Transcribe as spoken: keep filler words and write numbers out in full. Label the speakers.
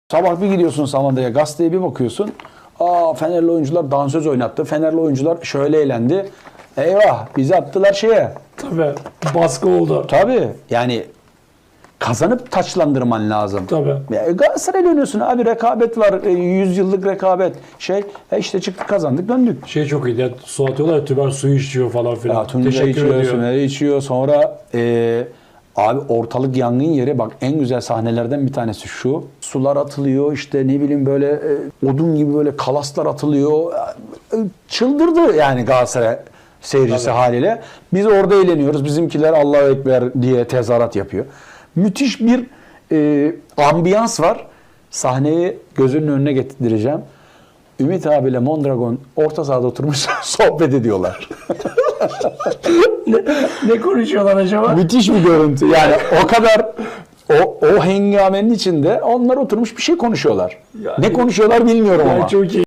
Speaker 1: Sabah bir gidiyorsun Samanda'ya, gazeteye bir bakıyorsun. Aa, Fenerli oyuncular dansöz oynattı. Fenerli oyuncular şöyle eğlendi. Eyvah, bizi attılar şeye.
Speaker 2: Tabii. Baskı oldu.
Speaker 1: Tabii. Yani kazanıp taçlandırman lazım.
Speaker 2: Tabii.
Speaker 1: Ya Galatasaray'la oynuyorsun abi, rekabet var. yüz yıllık rekabet. Şey, e işte çıktık, kazandık, döndük.
Speaker 2: Şey çok iyi. Ya, su atıyorlar ya, Tüber suyu içiyor falan filan.
Speaker 1: Ya Tunca
Speaker 2: Teşekkür
Speaker 1: içiyor,
Speaker 2: ediyor.
Speaker 1: Sümer'i içiyor. Sonra e, abi ortalık yangın yeri. Bak, en güzel sahnelerden bir tanesi şu. Sular atılıyor, işte ne bileyim böyle e, odun gibi böyle kalaslar atılıyor. E, çıldırdı yani Galatasaray seyircisi
Speaker 2: Tabii.
Speaker 1: haliyle. Biz orada eğleniyoruz. Bizimkiler Allahu Ekber diye tezahürat yapıyor. Müthiş bir e, ambiyans var. Sahneyi gözünün önüne getireceğim. Ümit abiyle Mondragon orta sahada oturmuş sohbet ediyorlar.
Speaker 2: Ne konuşuyorlar acaba?
Speaker 1: Müthiş bir görüntü. Yani o kadar o, o hengamenin içinde onlar oturmuş bir şey konuşuyorlar.
Speaker 2: Yani-
Speaker 1: Ne konuşuyorlar bilmiyorum
Speaker 2: Yani
Speaker 1: ama.
Speaker 2: çok iyi.